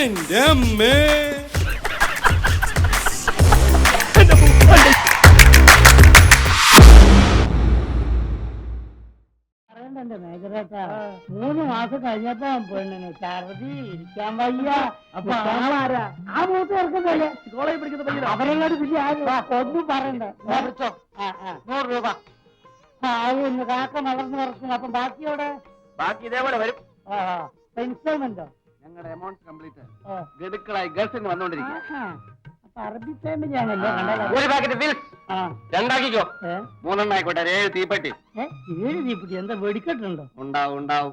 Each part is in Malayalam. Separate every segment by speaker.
Speaker 1: എന്റെ അമ്മേ.
Speaker 2: മേഖലേട്ടാ 3 മാസം കഴിഞ്ഞപ്പോ പെണ്ണിന് ഛർദി ഇരിക്കാൻ വയ്യ. അപ്പൊ ആ മൂത്ത് ചേർക്കുന്നല്ലേ കോളേജ് പഠിക്കുന്ന അവരെല്ലാട് പിന്നെ ഒന്നും പറയണ്ടേ. 100 രൂപ ആവുന്നു. കാക്ക വളർന്നു പറക്കും. അപ്പം ബാക്കിയോടെ
Speaker 3: ബാക്കി ഇതേപോലെ വരും.
Speaker 2: ഇൻസ്റ്റാൾമെന്റോ?
Speaker 3: ഞങ്ങളുടെ എമൗണ്ട് കംപ്ലീറ്റ് ഗഡുക്കളായി ഗൾഫിൽ വന്നോണ്ടിരിക്കുക.
Speaker 2: അറബി ഫാമിലിയാണല്ലോ.
Speaker 3: ഒരു പാക്കറ്റ് ബിൽസ് 2 ആക്കിക്കോ. 3 ആയിക്കോട്ടെ. 7 തീപ്പെട്ടി.
Speaker 2: 7 തീപ്പെട്ടി എന്താ വെടിക്കെട്ടുണ്ടോ?
Speaker 3: ഉണ്ടാവും ഉണ്ടാവും.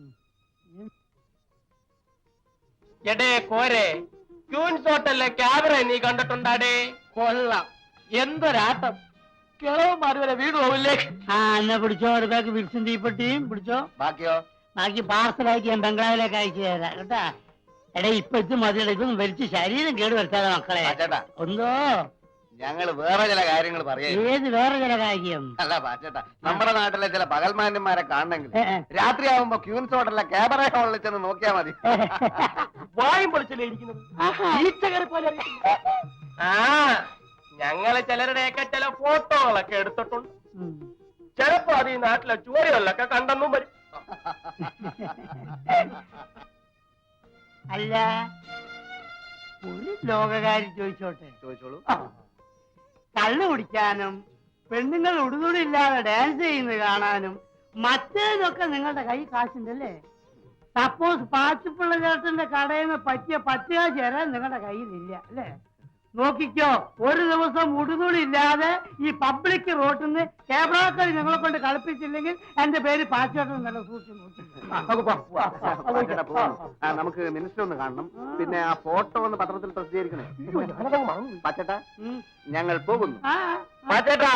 Speaker 3: എടേ കോരെ, ക്യൂൻസ് ഹോട്ടലിലെ ക്യാമറ നീ കണ്ടിട്ടുണ്ടാടേ? കൊള്ളാം, എന്തൊരാട്ടം. കിളവന്മാര് വരെ വീട് പോവില്ലേ?
Speaker 2: എന്നാ പിടിച്ചോ, ഒരു ബാഗ് ബിൽസും തീപ്പെട്ടിയും പിടിച്ചോ.
Speaker 3: ബാക്കിയോ?
Speaker 2: ബാക്കി പാർസലായിട്ട് ഞാൻ ബംഗ്ലാവിലേക്ക് അയച്ചു തരാം കേട്ടാ. എടാ ഇപ്പൊ ഇത് മതിയടാ, ഇതൊന്നും വലിച്ച് ശരീരം കേട് വരുത്താതെ മക്കളെ. ഒന്നോ
Speaker 3: ഞങ്ങള് വേറെ ചില കാര്യങ്ങൾ പറയാം.
Speaker 2: ഏത് വേറെ ചില കാര്യം?
Speaker 3: അല്ല പാച്ചേട്ടാ, നമ്മുടെ നാട്ടിലെ ചില പകൽമാന്യന്മാരെ കാണണമെങ്കിൽ രാത്രിയാവുമ്പോ ക്യൂൻസ് ഹോട്ടലിലെ ക്യാമറ ഹോളിൽ ചെന്ന് നോക്കിയാ മതി. വായും പൊളിച്ചല്ലേ ഇരിക്കുന്നത്. ഞങ്ങള് ചിലരുടെയൊക്കെ ചില ഫോട്ടോകളൊക്കെ എടുത്തിട്ടുണ്ട്. ചിലപ്പോ അത് ഈ നാട്ടിലെ ചുവരുകളിലൊക്കെ കണ്ടെന്നും വരും.
Speaker 2: അല്ല, ഒരു ലോകകാരി ചോദിച്ചോട്ടെ?
Speaker 3: ചോദിച്ചോളൂ.
Speaker 2: കള്ളു കുടിക്കാനും പെണ്ണുങ്ങൾ ഉടുതുടിയില്ലാതെ ഡാൻസ് ചെയ്യുന്നത് കാണാനും മറ്റേതൊക്കെ നിങ്ങളുടെ കൈ കാശുണ്ടല്ലേ? സപ്പോസ് പാച്ചിപ്പിള്ള ചേട്ടന്റെ കടയിൽ നിന്ന് പറ്റിയ 10 കാശ് തരാൻ നിങ്ങളുടെ കയ്യിലില്ല അല്ലേ? നോക്കിക്കോ, ഒരു ദിവസം ഉടുതുണി ഇല്ലാതെ ഈ പബ്ലിക് റോട്ടിൽ നിന്ന് ക്യാമറക്കാർ ഞങ്ങളെ കൊണ്ട് കളിപ്പിച്ചില്ലെങ്കിൽ എന്റെ പേര് പാച്ചോട്ടൻ നല്ല സൂക്ഷിച്ചു നോക്കി.
Speaker 3: നമുക്ക് മിനിസ്റ്റർ ഒന്ന് കാണണം. പിന്നെ ആ ഫോട്ടോ ഒന്ന് പത്രത്തിൽ പ്രസിദ്ധീകരിക്കണേ. പാച്ചേട്ടാ, ഞങ്ങൾ പോകുന്നു. പാച്ചേട്ടാ,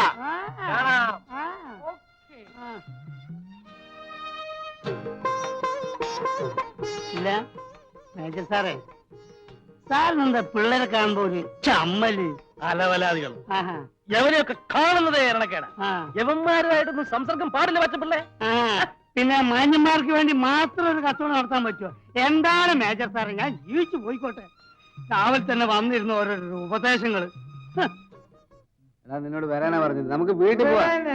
Speaker 2: ഇല്ല മേജർ സാറേ, സാറിനെന്താ പിള്ളേരെ കാണുമ്പോ ഒരു ചമ്മല്?
Speaker 4: അലവലാദികൾ എവരെയൊക്കെ കാണുന്നതേ ഇരണക്കേടാ. യവന്മാരുമായിട്ടൊന്നും സംസർഗം പാടില്ല പച്ചപ്പിള്ളേ.
Speaker 2: പിന്നെ മാന്യന്മാർക്ക് വേണ്ടി മാത്രം ഒരു കച്ചവടം നടത്താൻ പറ്റുമോ? എന്താണ് മേജർ സാറേ, ഞാൻ ജീവിച്ചു പോയിക്കോട്ടെ. രാവിലെ തന്നെ വന്നിരുന്ന ഓരോരോ ഉപദേശങ്ങള്.
Speaker 3: നിന്നോട് വരാനാ പറഞ്ഞത്. നമുക്ക് വീട്ടിൽ പോവാ.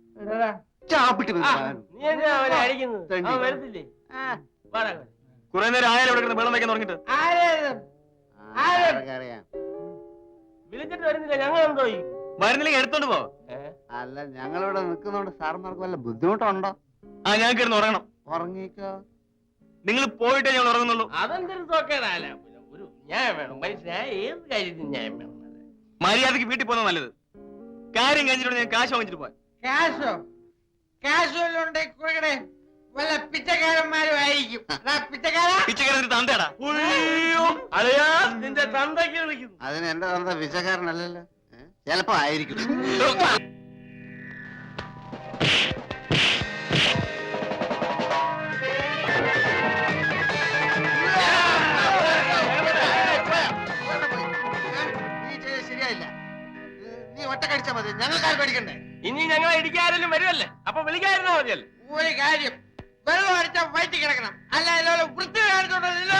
Speaker 4: കുറെ നേരം ആയാലും ഇവിടെ വെള്ളം വയ്ക്കാൻ തുടങ്ങിട്ട്
Speaker 3: വിളിച്ചിട്ട് വരുന്നില്ല. ഞങ്ങൾ എന്തോ
Speaker 4: വരുന്നില്ലെങ്കിൽ എടുത്തോണ്ട് പോ.
Speaker 3: അല്ല, ഞങ്ങളിവിടെ നിൽക്കുന്നോണ്ട് സാറിന്മാർക്ക് വല്ല ബുദ്ധിമുട്ടുണ്ടോ?
Speaker 4: ഞാൻ കിടന്ന് ഉറങ്ങണം.
Speaker 3: ഉറങ്ങിക്കോ.
Speaker 4: നിങ്ങൾ പോയിട്ടേ ഞങ്ങൾ ഉറങ്ങുന്നുള്ളൂ.
Speaker 3: അതെന്തൊരു തോക്കേടാല. ഒരു ന്യായം വേണം മനുഷ്യനായ ഏത് കാര്യത്തിന് ന്യായം വേണം.
Speaker 4: മര്യാദക്ക് വീട്ടിൽ പോകുന്നത് നല്ലത്. കാര്യം കഴിഞ്ഞിട്ട് ഞാൻ കാശ് വാങ്ങിച്ചിട്ട് പോവാൻ.
Speaker 5: കാശോ? കാശ് വല്ലതും ഉണ്ടെങ്കിൽ കൊടുക്കണേ. വല്ല പിച്ചക്കാരന്മാരും ആയിരിക്കും.
Speaker 4: പിച്ചക്കാരൻ തന്തേടാ.
Speaker 3: നിന്റെ തന്തയ്ക്ക് വിളിക്കുന്നു. അതിന് എന്റെ തന്ത പിച്ചക്കാരനല്ലല്ലോ. ചിലപ്പോ ആയിരിക്കും. ശരിയായില്ല. നീ ഒറ്റ കടിച്ചാ മതി. ഞങ്ങൾക്കാർ പേടിക്കണ്ടേ? ഇനി ഞങ്ങളെ ഇടിക്കാരെങ്കിലും വരുമല്ലേ, അപ്പൊ വിളിക്കായിരുന്നാ മതിയല്ലേ.
Speaker 5: ഒരു കാര്യം, വെള്ളം അടിച്ചാൽ വയറ്റി കിടക്കണം. അല്ല ഇതുപോലെ വൃത്തി കാണിച്ചോണ്ടല്ലോ.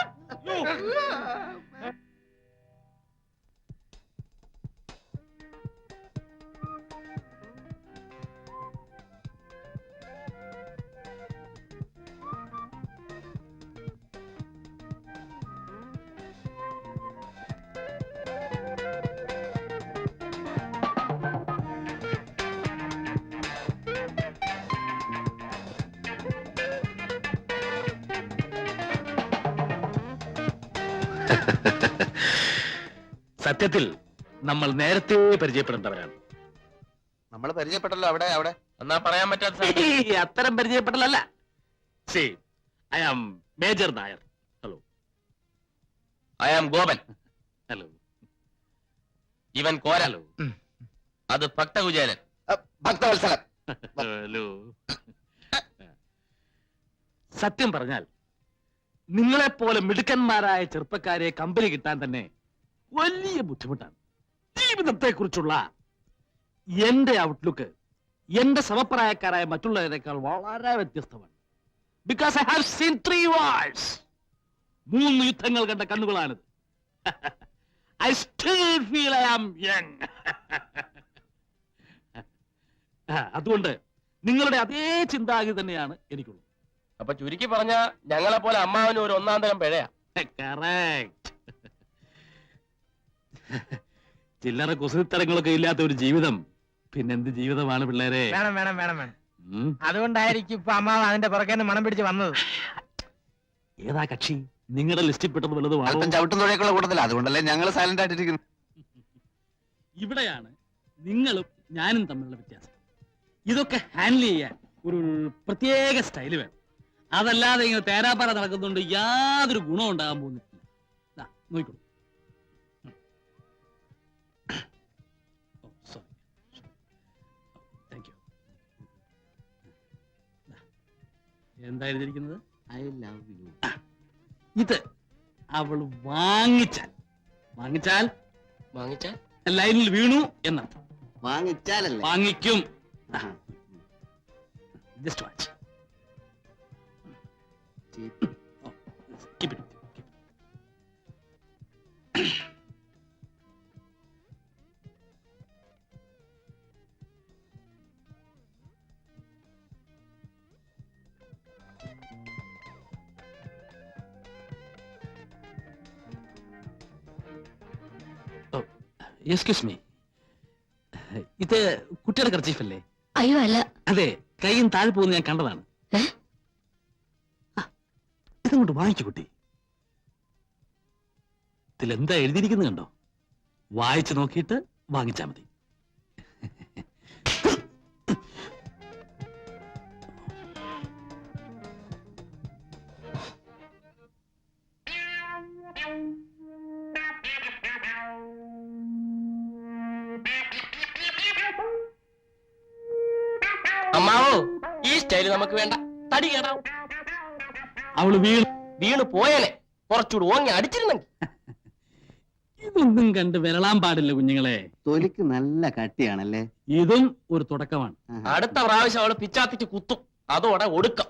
Speaker 4: സത്യത്തിൽ നമ്മൾ നേരത്തെ പരിചയപ്പെടേണ്ടവരാണ്.
Speaker 3: നമ്മൾ പരിചയപ്പെട്ടല്ലോ. അവിടെ അവിടെ
Speaker 4: എന്നാ പറയാൻ പറ്റാത്ത അത്തരം പരിചയപ്പെടലല്ല. I am major Nair. Hello.
Speaker 3: I am Gopan.
Speaker 4: Hello.
Speaker 3: ഇവൻ കോരലോ. അത് ഭക്തകുചേരൻ. ഭക്തവത്സലൻ.
Speaker 4: ഹലോ. സത്യം പറഞ്ഞാൽ നിങ്ങളെപ്പോലെ മിടുക്കന്മാരായ ചെറുപ്പക്കാരെ കമ്പനി കിട്ടാൻ തന്നെ വലിയ ബുദ്ധിമുട്ടാണ്. ജീവിതത്തെ കുറിച്ചുള്ള എന്റെ ഔട്ട്ലുക്ക് എന്റെ സമപ്രായക്കാരായ മറ്റുള്ളവരെക്കാൾ വളരെ വ്യത്യസ്തമാണ്. Because I have seen 3 wars. 3 യുദ്ധങ്ങൾ കണ്ട കണ്ണുകളാണിത്. I still feel I am young. അതുകൊണ്ട് നിങ്ങളുടെ അതേ ചിന്താഗതി തന്നെയാണ് എനിക്കുള്ളത്.
Speaker 1: അപ്പൊ ചുരുക്കി പറഞ്ഞ ഞങ്ങളെ പോലെ അമ്മാവന് ഒരു 1-ാം തരം പിഴയാ.
Speaker 4: കറക്റ്റ്. ചില്ലറ കുസൃത്തരങ്ങളൊക്കെ ഇല്ലാത്ത ഒരു ജീവിതം പിന്നെന്ത് ജീവിതമാണ് പിള്ളേരെ?
Speaker 5: വേണം വേണം വേണം വേണം. അതുകൊണ്ടായിരിക്കും ഇപ്പൊ അമ്മാവ് അതിന്റെ പുറകെ മണം പിടിച്ച് വന്നത്.
Speaker 4: ഏതാ കക്ഷി? നിങ്ങളുടെ ലിസ്റ്റിൽ പെട്ടത് വല്ലതും
Speaker 3: അല്പം ചവിട്ടും തുഴയൊക്കെയുള്ള കൂട്ടത്തില്ല, അതുകൊണ്ടല്ലേ ഞങ്ങൾ സൈലന്റ് ആയിട്ടിരിക്കുന്നു.
Speaker 4: ഇവിടെയാണ് നിങ്ങളും ഞാനും തമ്മിലുള്ള വ്യത്യാസം. ഇതൊക്കെ ഹാൻഡിൽ ചെയ്യാൻ ഒരു പ്രത്യേക സ്റ്റൈല് വേണം. അതല്ലാതെ ഇങ്ങനെ തേരാപ്പാറ നടക്കുന്നുണ്ട് യാതൊരു ഗുണം ഉണ്ടാകാൻ പോകുന്നില്ല. നോക്കിക്കോളൂ. Thank you. എന്താ എഴുതിയിരിക്കുന്നത്?
Speaker 3: I love you.
Speaker 4: ഇത് അവൾ വാങ്ങിച്ചാൽ
Speaker 1: വാങ്ങിച്ചാൽ
Speaker 4: ലൈനിൽ വീണു എന്നർത്ഥം.
Speaker 3: വാങ്ങിച്ചാലല്ലേ?
Speaker 4: വാങ്ങിക്കും. Just watch. Keep it. Excuse me, ഇത് കുട്ടിയുടെ കർച്ചീഫല്ലേ?
Speaker 6: അയ്യോ അല്ല.
Speaker 4: അതെ, കൈയും താഴെ പോകുന്ന ഞാൻ കണ്ടതാണ്. ഇതങ്ങോട്ട് വാങ്ങിക്കു കുട്ടി. ഇതിലെന്താ എഴുതിയിരിക്കുന്നത് കണ്ടോ? വായിച്ചു നോക്കിയിട്ട് വാങ്ങിച്ചാ മതി.
Speaker 1: അമ്മാവോ, ഈ സ്റ്റൈല് നമുക്ക് വേണ്ട. തടി കേടാവും.
Speaker 4: അവള്
Speaker 1: വീണ് പോയേനെ. കുറച്ചുകൂടി ഓങ്ങി അടിച്ചിരുന്നെങ്കിൽ.
Speaker 4: ഇതൊന്നും കണ്ട് വിരളാൻ പാടില്ല കുഞ്ഞുങ്ങളെ.
Speaker 3: തൊലിക്ക് നല്ല കട്ടിയാണല്ലേ?
Speaker 4: ഇതും ഒരു തുടക്കമാണ്.
Speaker 1: അടുത്ത പ്രാവശ്യം അവള് പിച്ചാത്തിച്ച് കുത്തും. അതോടെ ഒടുക്കം.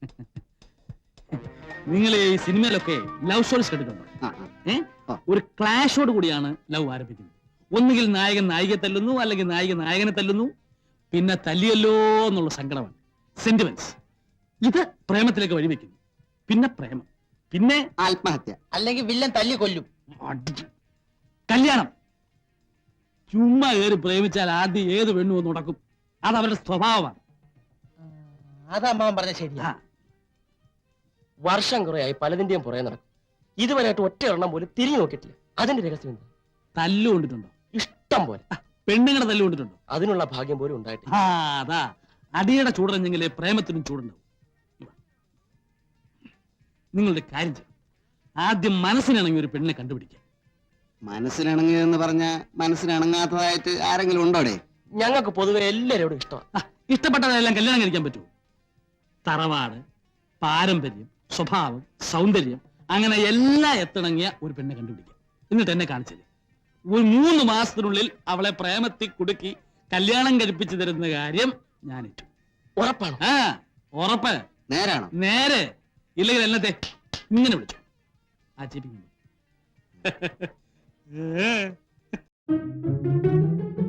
Speaker 4: നിങ്ങൾ ഈ സിനിമയിലൊക്കെ ലവ് സ്റ്റോറീസ് കേട്ടിട്ടുണ്ടോ? ഒരു ക്ലാഷോട് കൂടിയാണ് ലവ് ആരംഭിക്കുന്നത്. ഒന്നുകിൽ നായകൻ നായികയെ തല്ലുന്നു, അല്ലെങ്കിൽ നായിക നായകനെ തല്ലുന്നു. പിന്നെ തല്ലിയല്ലോ എന്നുള്ള സങ്കടമാണ്, സെന്റിമെന്റ്സ്. ഇത് പ്രേമത്തിലേക്ക് വഴിവെക്കുന്നു. പിന്നെ പ്രേമം, പിന്നെ
Speaker 3: ആത്മഹത്യ,
Speaker 5: അല്ലെങ്കിൽ വില്ലൻ തല്ലി കൊല്ലും.
Speaker 4: കല്യാണം. ചുമ്മാ കയറി പ്രേമിച്ചാൽ ആദ്യം ഏത് പെണ്ണു ഒന്ന് ഉടക്കും. അത് അവരുടെ സ്വഭാവമാണ്.
Speaker 5: അത് അമ്മാവൻ പറഞ്ഞ ശരിയാ.
Speaker 1: വർഷം കുറയായി പലതിന്റെയും പുറകെ നടക്കും. ഇതുവരെയായിട്ട് ഒറ്റ എണ്ണം പോലും തിരിഞ്ഞു നോക്കിയിട്ടില്ല. അതിന്റെ രഹസ്യം എന്താ?
Speaker 4: തല്ലു കൊണ്ടിട്ടുണ്ടോ?
Speaker 1: ഇഷ്ടം പോലെ.
Speaker 4: പെണ്ണുങ്ങളെ തല്ലു കൊണ്ടിട്ടുണ്ടോ?
Speaker 1: അതിനുള്ള ഭാഗ്യം പോലും ഉണ്ടായിട്ടില്ല.
Speaker 4: അതാ അടിയുടെ ചൂടറിഞ്ഞെങ്കിലേ പ്രേമത്തിനും ചൂടുണ്ടാവും. നിങ്ങളുടെ കാര്യം ചെയ്യും, ആദ്യം മനസ്സിനിണങ്ങി ഒരു പെണ്ണിനെ കണ്ടുപിടിക്കുക.
Speaker 3: മനസ്സിനിണങ്ങിയതെന്ന് പറഞ്ഞ മനസ്സിനിണങ്ങാത്തതായിട്ട് ആരെങ്കിലും ഉണ്ടോടെ?
Speaker 1: ഞങ്ങൾക്ക് പൊതുവെ എല്ലാവരോടും ഇഷ്ടമാണ്.
Speaker 4: ഇഷ്ടപ്പെട്ടതെല്ലാം കല്യാണം കഴിക്കാൻ പറ്റുമോ? തറവാട്, പാരമ്പര്യം, സ്വഭാവം, സൗന്ദര്യം, അങ്ങനെ എല്ലാം എത്തിണങ്ങിയ ഒരു പെണ്ണെ കണ്ടുപിടിക്കുക. എന്നിട്ട് എന്നെ കാണിച്ചത് ഒരു 3 മാസത്തിനുള്ളിൽ അവളെ പ്രേമത്തിൽ കുടുക്കി കല്യാണം കഴിപ്പിച്ചു തരുന്ന കാര്യം ഞാൻ ഏറ്റു.
Speaker 1: ഉറപ്പാണ്?
Speaker 4: ഉറപ്പ്.
Speaker 3: നേരാണോ?
Speaker 4: നേരെ. ഇല്ലെങ്കിൽ എന്നത്തെ ഇങ്ങനെ വിളിച്ചു ആ ചേപ്പിക്കുന്നു.